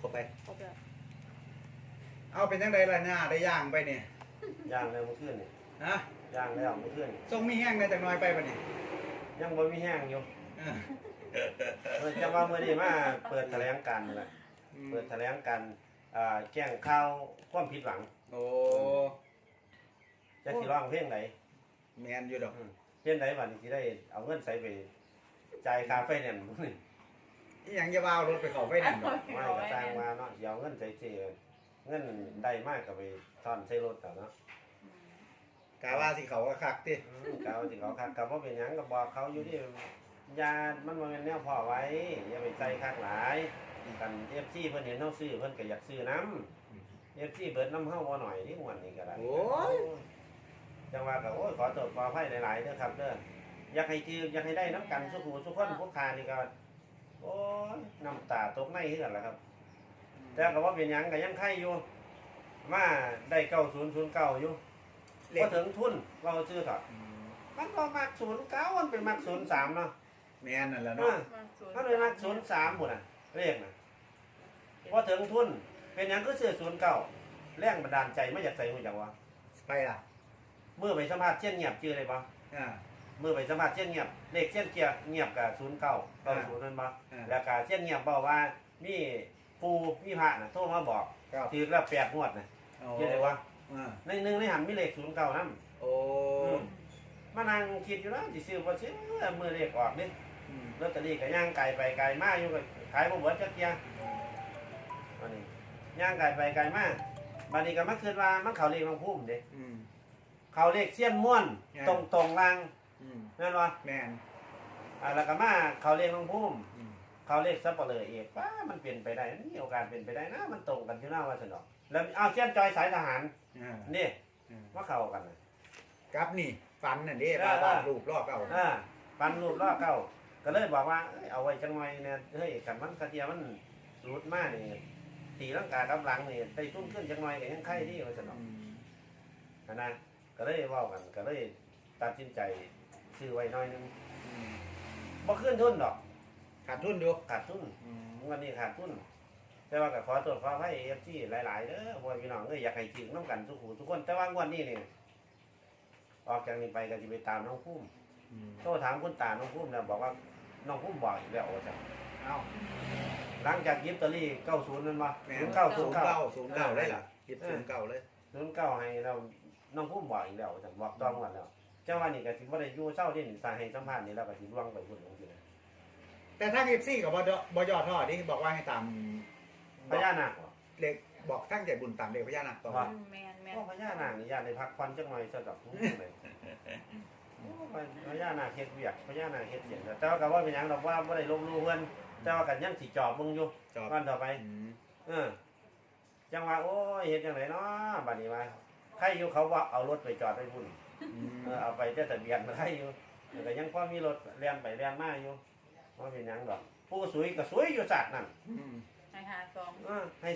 บไปครบแล้วเอาเป็นจังไดล่ะหน้าได้ย่างไปเนี่ยย่างแล้วเมื่อคืนนี่ฮะย่างแล้วเมื่อคืนนี่ทรงมีแห้งได้จักหน่อยไปปะเนี่ยยังบ่มีแห้งอยู่เออจะว่ามื้อนี้มาเปิดแถลงการณ์นั่นแหละเปิดแถลงการณ์แจ้งข่าวความผิดหวังโอ้จะสิร้องเพลงไหนแมนอยู่ดอกเพลงไหนบัดนี้สิได้เอาเงินใส่ไปจ่ายค่าไฟแนนซ์มื้อนี้อีหยังจะว่ารถไปเข้าไฟแนนซ์ดอกไม่ก็สร้างมาเนาะเดี๋ยวเอาเงินใส่เจเงินได้มากก็ไปซ่อนใส่รถเอาเนาะกะว่าสิเขาก็คักติเขาสิเขาคักกับว่าเป็นหยังก็บอกเขาอยู่ที่ยามันบ่แม่นแนวพ่อไว้อย่าไปใส่คักหลายกัน FC เพิ่นเห็นเฮาซื้อเพิ่นก็อยากซื้อน้ำ FC เบิดน้ำเฮาบ่หน่อยนี่ม่วนนี่ก็ได้โอ้ยจังว่าก็โอ้ยขอโทษขออภัยหลายๆเด้อครับเด้ออยากให้ถืออยากให้ได้น้ำกันสุขุทุกคนพวกคานี่ก็โอ้ยน้ำตาตกในคือกันล่ะครับแต่ก็ว่าเป็นหยังก็ยังไข่อยู่มาได้9009อยู่พอถึงทุนเราซื้อเถอะมันก็มัก09มันเป็นมัก03เนาะแมนนั่นแหละเอเนาะอมันเป็นมัก03หมดน่ะเลขน่ะพอถึงทุนเป็นหยังก็ซื้อ09แรงบันดาลใจมาจากไสฮู้จักว่าไปล่ะเมื่อไปสัมภาษณ์เช่นเงียบชื่ออะไรบ่อ่าเมื่อไปสัมภาษณ์เช่นเงียบเลขเช่นเกียร์เงียบกับ0990นั่นบ่แล้วก็เช่นเงียบบอกว่ามีปูมีพระน่ะโทรมาบอกครับถือละ8งวดน่ะโอ้เฮ็ดได้วะอ่าในนึงในหันมีเลข09นำโอ้มานั่งคิดอยู่นะสิซื้อบ่ซื้อมื้อเลขออกนี่อืมลอตเตอรี่ก็ย่างไกลไปไกลมาอยู่ก็ขายบ่เบิดจักเที่ยอันนี้ย่างไกลไปไกลมาบัดนี้ก็มาคิดว่ามันเข้าเลขของภูมิเด้อืมเข้าเลขเสี้ยนม่วนตรงๆล่างอืมแม่นบ่แมนแล้วก็มาเข้าเลขของภูมิอืมเขาเรียกซับเปลือเอกว่ามันเปลี่ยนไปได้มีโอกาสเปลี่ยนไปได้นะมันตรงกันที่หน้าว่าสนอกแล้วเอาเชียนจอยสายทหารอ่านี่อ่าว่าเข้ากันนะกับนี่ฟันนั่นเด้เออบ้านรูปลอกเอาปันรูปล่อเก้าก็เลยบอกว่าเอาไว้จังไว้เนี่ยเฮ้ยกันมันกระเทียมันรูดมากนี่ตีร่างกายกับหลังนี่ไปตุ้นขึ้นจังไว้ก็ยังไข่ที่ว่าสนอกอืมนะก็เลยว่ากันก็เลยตัดสินใจซื้อไว้น้อยนึงอืมบ่ขึ้นทุนดอกขาดทุนดูขาดทุนอืมวันนี้ขาดทุนแต่ว่าก็ขอตรวจขอให้เอฟซีหลายๆเด้อพ่อพี่น้องอยากให้ถึงน้ำกันทุกหูทุกคนแต่ว่างวันนี้นี่ออกจากนี้ไปก็จะไปตามน้องพุ่มอืมโทรถามคุณตาน้องพุ่มแล้วบอกว่าน้องพุ่มบอกอีกแล้วว่าจะเอาหลังจากยิบตอรี่90นั่นบ่แม่ 0909 ได้ล่ะคิด09เลย 09ให้เราน้องพุ่มบอกอีกแล้วว่าจะบอกต้องวันแล้วเจ้าว่านี่ก็สิบ่ได้อยู่เช้าที่นี่สาให้สัมภาษณ์นี่แล้วก็สิล่วงไปพุ่นลงอยู่นะแต่ทาง FC ก็บ่ย่อท้อดิบอกว่าให้ตามพญานาคบ่เลขบอกทั้งใจบุญตามเลขพญานาคต่อว่าแมนแมนพญานาคนี่ญาติได้พักผ่อนจังหน่อยซะดอกเลยพญานาคเฮ็ดเวียกพญานาคเฮ็ดเวียกแต่ว่าก็ว่าเป็นหยังดอกว่าบ่ได้ลบหลู่เพิ่นแต่ว่าก็ยังสิจอบมึงอยู่จอบวันต่อไปอืมจังว่าโอ้ยเฮ็ดจังไดเนาะบัดนี้ว่าใครอยู่เขาว่าเอารถไปจอดไว้พุ่นอืมเอาไปแต่ทะเบียนมาใครอยู่แต่ก็ยังพอมีรถเลียนไปเลียนมาอยู่ว่าเป็นหยังดอกผู้สวยก็สวยอยู่สัตว์นั่นอืมให้หาสองให้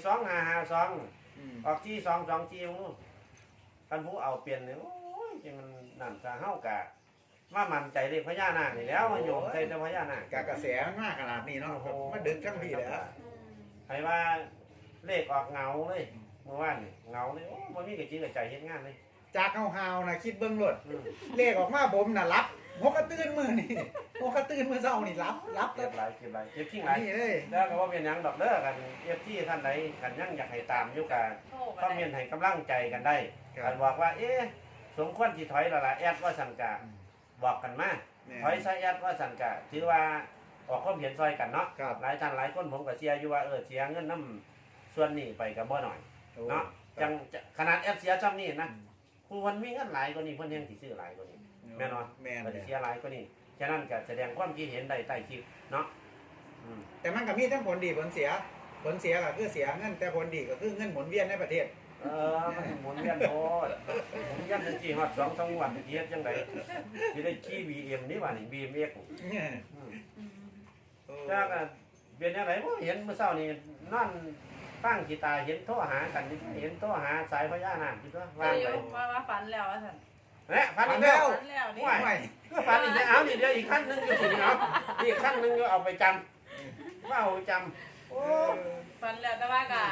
2552 อืมออกที่2 2จีมึงคันผู้เอาเปลี่ยนเนี่ยโอ้ยจังมันนั่นซะเฮากะว่ามันใจเลขพญานาคนี่แล้วมันโยมใจแต่พญานาคกระแสมากขนาดนี้เนาะมาดึกทั้งพี่เลยฮะให้ว่าเลขออกเงาเลยเมื่อวานนี่เงาเลยโอ้บ่มีกระจิกกระใจเฮ็ดงานเลยจากเฮาๆนะคิดเบิ่งรถอืมเลขออกมาผมน่ะรับหกกระตื่นมื้อนี่หกกระตื่นมื้อเช้านี่รับเก็บหลายเก็บทิ้งหลายนี่เลยแล้วก็ว่าเป็นหยังดอกเด้อกันที่ท่านใดกันยังอยากให้ตามอยู่กันโทรก็มาเมีได้ยนให้กำลังใจกันได้ครักับ นบอกว่าเอ๊ะสมควรสิถอยแล้วล่ะแอดว่าสันกะบอกกันมา ถอยซะแอดว่าสันกะถือว่าออกความเห็นซอยกันเนาะครับหลายท่านหลายคนผมก็เชียร์อยู่ว่าเสียเงินน้ำส่วนนี้ไปกับบ่หน่อยเนาะจังขนาดแอดเสียจำนี่นะผู้คนมีเงินหลายกว่านี้เพิ่นยังสิซื้อหลายกว่านี้แม่นบ่แม่นเพิ่นเลสิยเสียหลายกว่านี้ฉะนั้นก็แสดงความคิดเห็นได้ใต้คลิปเนาะอืมแต่มันก็มีทั้งผลดีผลเสียก็คือเสียเงินแต่ผลดีก็คือเงินหมุนเวียนในประเทศมันหมุนเวียนโพดหมุนเวียนจังซี่ฮอด2-3วันสิเฮ็ดจังไดสิได้ขี่ BM นี่ว่านี่ BMX เนี่ยอืมอืมจ้าก็เป็นจังไดบ่เห็นมื้อเช้านี่นอนฟังกีตาร์เห็นโทรหากันนี่เห็นโทรหาสายพญานาคอยู่ตัววางอไปยู่ว่าฝันแล้วว่าสันแหละฟันอีกแล้วฝันแล้วนี่ไม่ก็ฟันอีกแล้วเอานี่เดี๋ยวอีกขั้นหนึงอยู่สิเอาอีกขั้นหนึงอยู่เอาไปจำว่าเอาไปจำโอ้ฝันแล้วแต่ว่าก็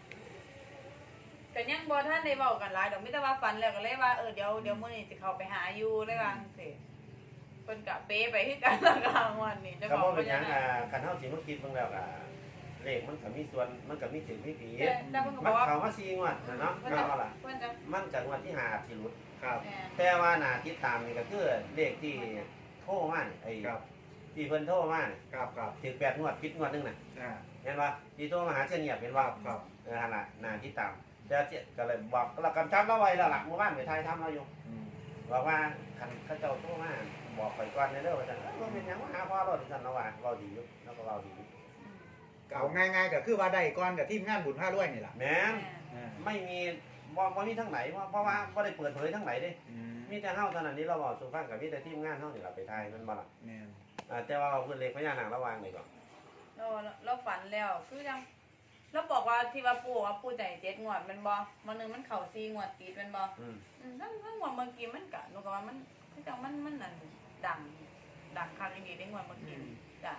ยังบ่ทันได้เว้ากันหลายดอกมีแต่ว่าฝันแล้วก็เลยว่าเดี๋ยวมื้อนี้สิเข้าไปหาอยู่เลยว่าจังซี่เพิ่นก็เปไปคือกันละกลางวันนี่จะก็บอบ่กเป็นหยังว่าคันเฮาสิมาคิดเบิ่งแล้วก็เลขมันก็มีส่วนมันก็มีถึงมีผิดแต่เพิ่นก็บมัอน กว่าเข้ามา4งวดนะเนาะเพิ่นเอาจะล่ะเพิ่นจะมันจากงวดที่5สิหลุดครับแม่นแต่ว่าหน้าติดตามนี่ก็คือเลขที่โทรมาไอ้ครับที่เพิ่นโทรมาครับครับถึง8งวดผิดงวดนึงน่ะอ่าเห็นว่าที่โทรมาหาเสียเงียบเห็นว่าครับนั่นล่ะหน้าติดตามแต่เจ๊ก็เลยบอกเรากำชับเราไว้แล้วล่ะเมื่อวานไปถ่ายทำเราอยู่อืมบอกว่าคันเขาเจ้าโทรมาบอกไปก่อนเด้อว่าซั่นว่าเป็นหยังว่าหาพ่อเราดิซั่นเราว่าเราดีอยู่แล้วก็เราดีอยู่เอาง่ายๆก็คือว่าได้ก่อนกับทีมงานบุญผ้ารวยนี่ล่ะแม่นอ่าไม่มีบ่มีทั้งไหนเพราะว่าบ่ได้เปิดเผยทั้งไหนเด้อืมมีแต่เฮาเท่านั้นที่เราบอกสู่ฟังกับมีแต่ทีมงานเฮานี่ล่ะไปถ่ายมันบ่ล่ะแม่นแต่ว่าเราเพิ่นเลขพญานาคระวางนี่ก่อนเราฝันแล้วคือยังเราบอกว่าที่ว่าปู่ใจ7งวดแมันบ่มื้อนึงมันเข้า4งวดติดแมันบ่อืมทั้งงวดเมื่อกี้มันก็หนูก็ว่ามันคือจังมันนั่นดังคักอีหลีได้งวดเมื่อกี้จ้ะ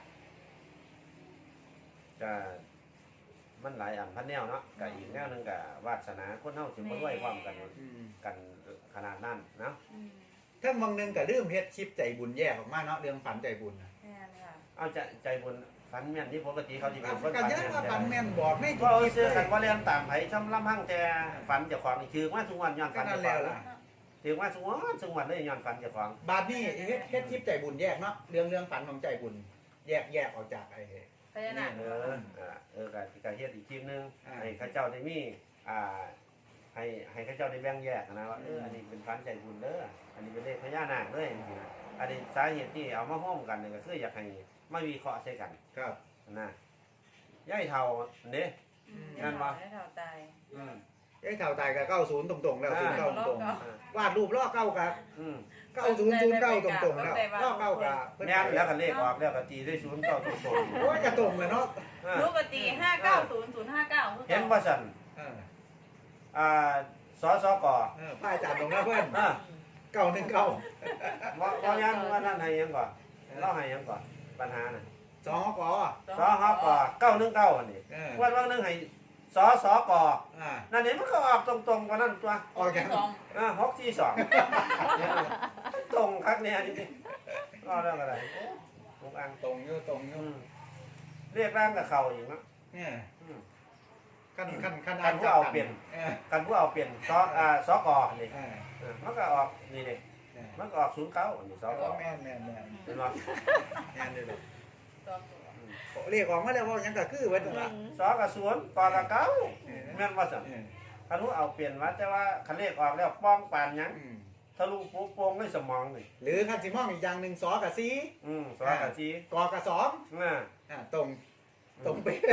ก็มันหลายอันพันแนวเนาะก็อีกแนวหนึงก็วาสนาคนเฮาสิบ่รวยพร้อมกันอืมกันขนาดนั้นเนาะอืมถ้าบางนึงก็ลืมเฮ็ดคลิปใจบุญแยกออกมาเนาะเรื่องฝันใจบุญน่ะแม่นค่ะเอาใจบุญฝันแม่นที่ปกติเขาสิเป็นคนก็ฝันยังแม่นว่าแต่ฝันแม่นบอกไม่ถูก็กเอาคลิปซื้อเลกันยว่าเรียนตามไผช้ำลำพังแต่ฝันเจ้าของนี่ถือว่าทุกวันย้อนก็ฝันนั่เจ้าน ขแล้องวล่ะถือว่าทุกวันเลยย้อนฝันเจ้าของบาดนี้เฮ็ดคลิปใจบุญแยกเนาะเรื่องฝันของใจบุญแยกออกจากไอ้พญานาคก็เฮ็ดอีกทีนึงอ่าให้เขาเจ้าได้มีให้เขาเจ้าได้แบ่งแยกนะว่าอันนี้เป็นฝันใจบุญเด้ออันนี้เป็นเลขพญานาคเด้อจังซี่นะอันนี้สาเหตุที่เอามาห้อมกันนี่ก็คืออยากให้มาวิเคราะห์ใส่กันครับนะย่ายเท่าเด้ งั้นวะให้เท่าตายอืมไอ้เท่าตายก็90ตรงๆแล้วอ่า 09ตรงอ่าๆวาดรูปล้อเก้ากับอืม 9009ตรงๆแล้วล้อเก้ากับเพิ่นแม่นแล้วก็เลขออกแล้วก็ตีได้ศูนย์เก้าตรงโอ้ยจะตรงเลยเนาะๆปกติ590 คือเห็นว่าสั่นเอออ่าสสกป้ายจัดตรงแล้วเพิ่นอ่า 919 ว่ายังว่านั่นให้ยังก่อนเล่าให้ยังก่อนปัญหาน่ะสองกสฮก919อันนี้เออวันนึงให้สสกอ่านั่นนี่มันก็ออกตรงๆกว่านั้นตัวออกจาก 642ตรงคักเนี่ยอันนี้ก็เรื่องอะไรทุกอันตรงอยู่ตรงอยู่เรียกร่างกับเขาอีกเนาะเนี่ยอืมขั้นขั้นผู้เอาเปลี่ยน กันผู้เอาเปลี่ยนสกนี่ มันก็ออกนี่เด็มันก็ออก09อันนี้สกแม่นเป็นว่าแม่นเลย 2 เรียกออกมาแล้วว่ายังก็คือเว้นละสกับศูนย์กกับเก้าแม่นว่าซั่นคันผู้เอาเปลี่ยนว่าแต่ว่าคันเลขออกแล้วป้องปานหยังทะลุปุ๊บโป่งในสมองนี่หรือคันสิมองอีกอย่างหนึ่งสอกับซีสกับจีกอกับสอง ตรงเป๊ะ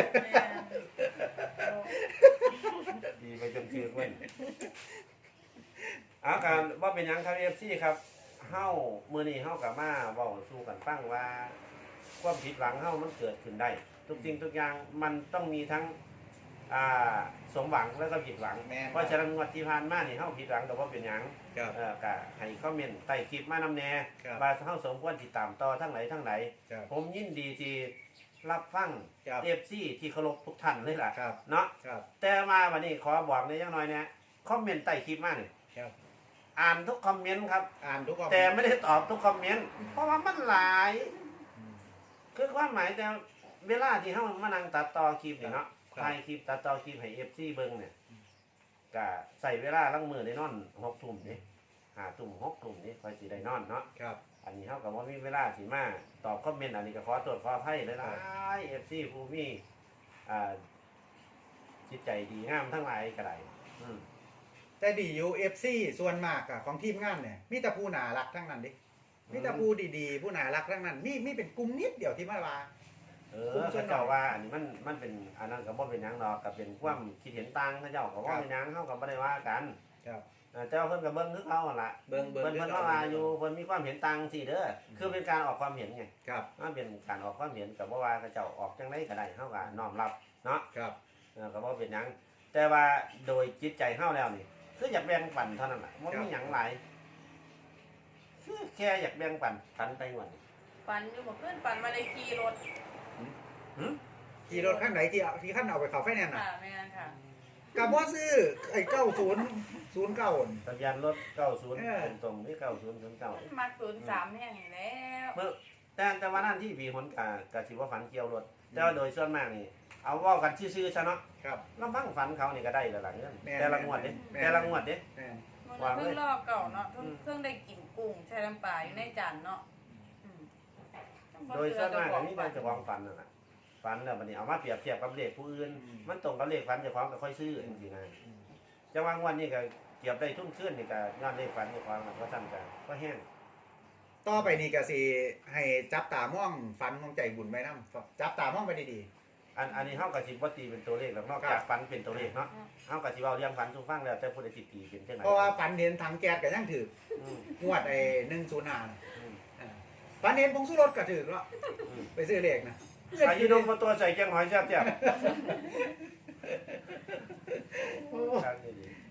ดีไปจนถึงเว้นอาการว่าเป็นหยังครับ FC ครับเฮามื้อนี้เฮาก็มาเว้าสู่กันฟังว่าความผิดหวังเฮามันเกิดขึ้นได้ ทุกสิ่งทุกอย่างมันต้องมีทั้งสมหวังแล้วก็ผิดหวัง เพราะฉะนั้นงวดที่ผ่านมานี่เฮาผิดหวังแต่ว่าเป็นหยังครับก็ให้คอมเมนต์ใต้คลิปมานำแน่ครับว่าเฮาสมควรติดตามต่อทั้งไหนทั้งไหนครับผมยินดีที่รับฟังครับ FC ที่เคารพทุกท่านเลยล่ะครับเนาะครับแต่มาวันนี้ขอบอกในอย่างน้อยเนี่ยคอมเมนต์ใต้คลิปมานี่ครับอ่านทุกคอมเมนต์ครับอ่านทุกข้อแต่ไม่ได้ตอบทุกคอมเมนต์เพราะว่ามันหลาย คือความหมายแต่เวลาที่เฮามานั่งตัดต่อคลิปนี่เนาะถ่ายคลิปตัดต่อคลิปให้ FC เบิ่งเนี่ยก็ใส่เวลาลังมือได้นอน6 ทุ่มนี่5 ทุ่ม6 ทุ่มนี่ค่อยสิได้นอนเนาะครับอันนี้เฮาก็บ่มีเวลาสิมาตอบคอมเมนต์อันนี้ก็ขอตรวจขออภัยหลายๆ FC ผู้มีจิตใจดีงามทั้งหลายก็ได้แต่ดีอยู่ FC ส่วนมากอะของทีมงานเนี่ยมีแต่ผู้น่ารักทั้งนั้นดิมีแต่ผู้ดีๆผู้น่ารักทั้งนั้นมีเป็นกลุ่มนิดเดียวที่มาว่าเขาเจ้าว่าอันนี้มันเป็นอันนั้นก็บ่เป็นหยังดอกก็เป็นความคิดเห็นต่างเขาเจ้าก็บ่เป็นหยังเฮาก็บ่ได้ว่ากันครับเจ้าเพิ่นก็เบิ่งคือเขาหั่นล่ะเบิ่งเพิ่นมาว่าอยู่เพิ่นมีความเห็นต่างสิเด้อคือเป็นการออกความเห็นไงครับมันเป็นการออกความเห็นก็บ่ว่าเขาเจ้าออกจังไดก็ได้เฮาก็น้อมรับเนาะครับก็บ่เป็นหยังแต่ว่าโดยจิตใจเฮาแล้วนี่คืออยากแบ่งปันเท่านั้นล่ะบ่มีหยังหลายคือแค่อยากแบ่งปันไปวันนี้ฝันอยู่เมื่อคืนฝันมาได้ขี่รถหึขี่รถข้างไหนที่ขั้นเอาไปเขาไฟแนนซ์ค่ะน่ะแม่นค่ะกับบ่ซื้อไอ้9009 ทะเบียนรถ90ตรงๆนี่9009 มัก03แห่งนี่แล้วเมื่อแต่ว่านั่นที่มีผลกะสิว่าฝันเกี่ยวรถแต่ว่าโดยส่วนมากนี่เอาเว่ากันซื่อๆซะเนาะครับลำพังฝันเขานี่ก็ได้แล้วล่ะเงินแม่นแต่ละงวดเด้แม่นแต่ละงวดเด้แม่นมันเพิ่งรอบเก่าเนาะเพิ่งได้กินกุ้งใช้น้ำปลาอยู่ในจานเนาะอืมโดยส่วนมากอันนี้เป็นเจ้าของฝันนั่นน่ะฝันแล้วบัดนี้เอามาเปรียบเทียบกับเลขผู้อื่นมันตรงกับเลขฝันเจ้าของก็ค่อยซื้อจริงๆนะจังหวะงวดนี้ก็เก็บได้ทุนขึ้นนี่ก็ย้อนเลขฝันเจ้าของก็สั่นกันก็แห้งต่อไปนี่ก็สิให้จับตามองฝันของใจบุญไว้นำจับตามองไปดีอันนี้เฮาก็สิบ่ตีเป็นตัวเลขหรอกนอกครัจากบฝันเป็นตัวเลขเนาะเฮาก็สิเว้าเรื่องฝันสู่ฟังแล้วแต่ผู้ใดสิตีเป็นจังไดๆเพราะว่าฝันเห็นถังแก๊สก็ยังถืออืมงวดไอ้105น่ะอืมฝันเห็นผงชูรสก็ถือเนาะอืมไปซื้อเลขนะอายุนมตัวใส่แกงหอยแซ่บโอ้ๆครับดี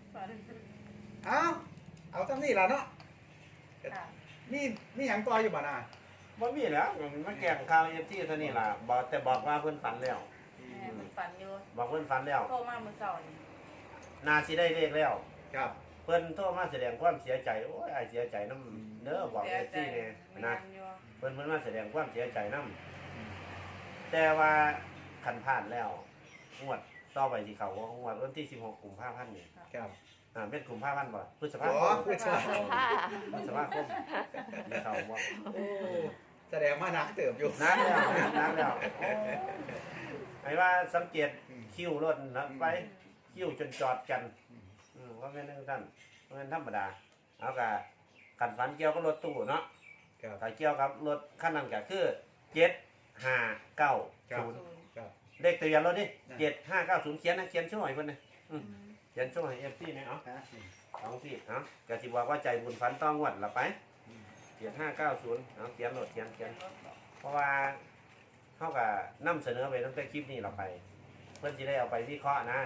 เอาจังนี้ล่ะเนาะค่ะมีหยังต่ออยู่บ่น่ะๆบ่มีแล้วมันแกงข้าว FT เท่านี้ล่ะบอกว่าเพิ่นฝันแล้วแม่มันฝันอยู่บอกเพิ่นฝันแล้วโทรมามื้อเช้านี่น่าสิได้เลขแล้วครับเพิ่นโทรมาแสดงความเสียใจโอ้ยอ้ายเสียใจนำเด้อบอกเสีย FT ใจแน่แม่นะนอยู่เพิ่นมาแสดงความเสียใจนำแต่ว่าคันผ่านแล้วงวดต่อไปสิเข้างวดวันที่16กุมภาพันธ์นี่ครับเป็นกุมภาพันธ์บ่พฤษภาอ๋คอมพูดซะพฤษภาคมมีเข้าบ่โอ้แสดงว่านักเติบอยู่นานแล้วโอ้ไอ้ว่าสังเกตคิวรถนะไปคิวจนจอดกันว่าแม่นจังซั่นว่าแม่นธรรมดาเอากะคันฝันเกี่ยวกับรถตู้เนาะครับถ้าเกี่ยวกับรถคันนั้นก็คือ7590 ครับเลขทะเบียนรถนี่7590เขียนนะเขียนช่วยเพิ่นนะเขียนช่วยให้ FC นี่เอาฮะเอาสิเอาก็สิบอกว่าใจบุญฝันต้องงวดละไป7590เอาเขียนรถเขียนเพราะว่าเฮาก็นำเสนอไปตั้งแต่คลิปนี้เราไป เพิ่นสิได้เอาไปวิเคราะห์นะ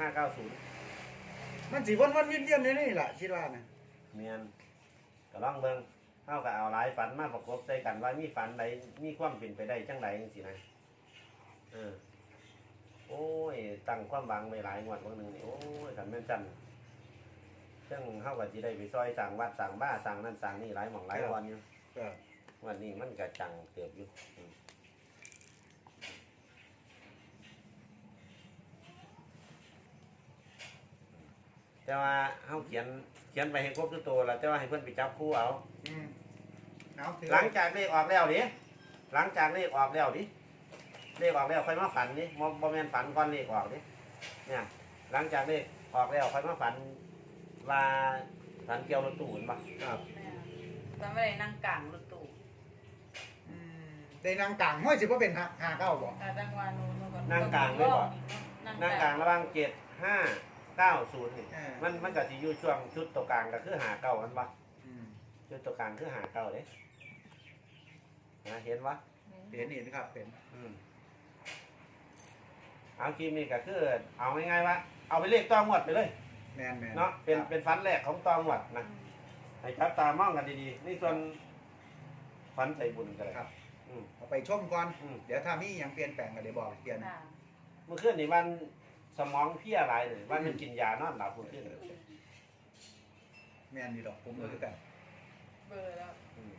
7590 มันสิวนๆเวียนๆอยู่นี่ล่ะคิดว่านะเมียนก็ลองเบิ่งเฮาก็เอาหลายฝันมาประกบใส่กันว่ามีฝันใดมีความเป็นไปได้จังใดจังซี่นะโอ้ยตั้งความหวังไว้หลายงวดบางนึงนี่โอ้ยคันแม่นจันซึ่งเฮาก็สิได้ไปซอยสร้างวัดสร้างบ้านสร้างนั่นสร้างนี่หลายหม่องหลายวันอยู่ครับวันนี้มันก็จังเติบอยู่แต่ว่าเฮาเขียนไปให้ครบทุกตัวแล้วแต่ว่าให้เพิ่นไปจับคู่เอาอืมเอาถือหลังจากเลขออกแล้วดิหลังจากเลขออกแล้วดิเลขออกแล้วค่อยมาฝันดิบ่แม่นฝันก่อนเลขออกดิเนี่ย หลังจากเลขออกแล้วค่อยมาฝันว่าฝันเกี่ยวรถตู้เห็นปะครับแม่ตอนไม่ได้นั่งกลางรถตู้อืมได้นางกลางห้อยสิบ่เป็น59บ่แต่จังหวะนู้นก็นั่งกลางเลยบ่นั่งกลางระหว่าง7590นี่ มันก็สิอยู่ช่วงชุดตัวกลางก็คือ59มันปะอืมชุดตัวกลางคือ59เด้นะเห็นปะเห็นครับเป็นเอาคลิปนี้ก็คือเอาง่ายๆว่าเอาไปเลขต่องวดไปเลยแม่นๆเนาะเป็นฟันแรกของต่องวดนะให้จับตามองกันดีๆนี่ส่วนฟันใจบุญกันเลยครับอืมเอาไปชมก่อนอืมเดี๋ยวถ้ามีหยังเปลี่ยนแปลงก็เดี๋ยวบอกเปลี่ยนค่ะเมื่อคืนนี่วันสมองเพลียหลายเลยวันมันกินยานอนหลับเมื่อคืนแม่นนี่ดอกผมก็คือกันเบอร์แล้วอืม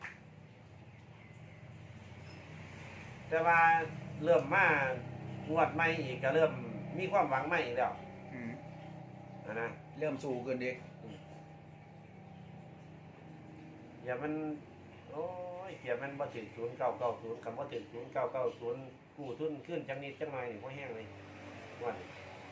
แต่ว่าเริ่มมางวดใหม่อีกก็เริ่มมีความหวังใหม่อีกแล้วอืมนะเริ่มสู้ขึ้นดิอย่ามันโอ้ยเกียมันบ่ถึง0990คำว่าถึง0990กู้ทุนขึ้นจังนิดจังหน่อยนี่บ่แห้งเลยวันนี้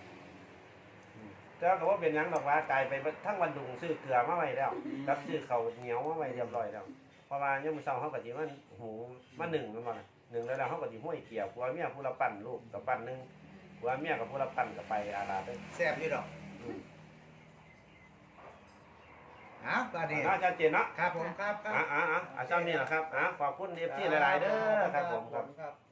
แต่ก็ว่าเป็นหยังดอกว่ากลายไปทั้งวันดุงซื้อเกลือมาไว้แล้วกับซื้อข้าวเหนียวมาไว้เรียบร้อยแล้วเพราะว่ายังมื้อเช้าเฮาก็สิมันหูมา1มันบ่ล่ะ1แล้วเฮาก็สิห้วยเกี่ยวผัวเมียผู้ละปั่นลูกกับปั่นนึงผัวเมียกับผู้ละปั่นก็ไปอาลาไปแซ่บอยู่ดอกอ้าวตอนนี้ชัดเจนเนาะครับผมครับอาจารย์นี่แหละครับขอบคุณ FC หลายๆเด้อครับผมครับครับ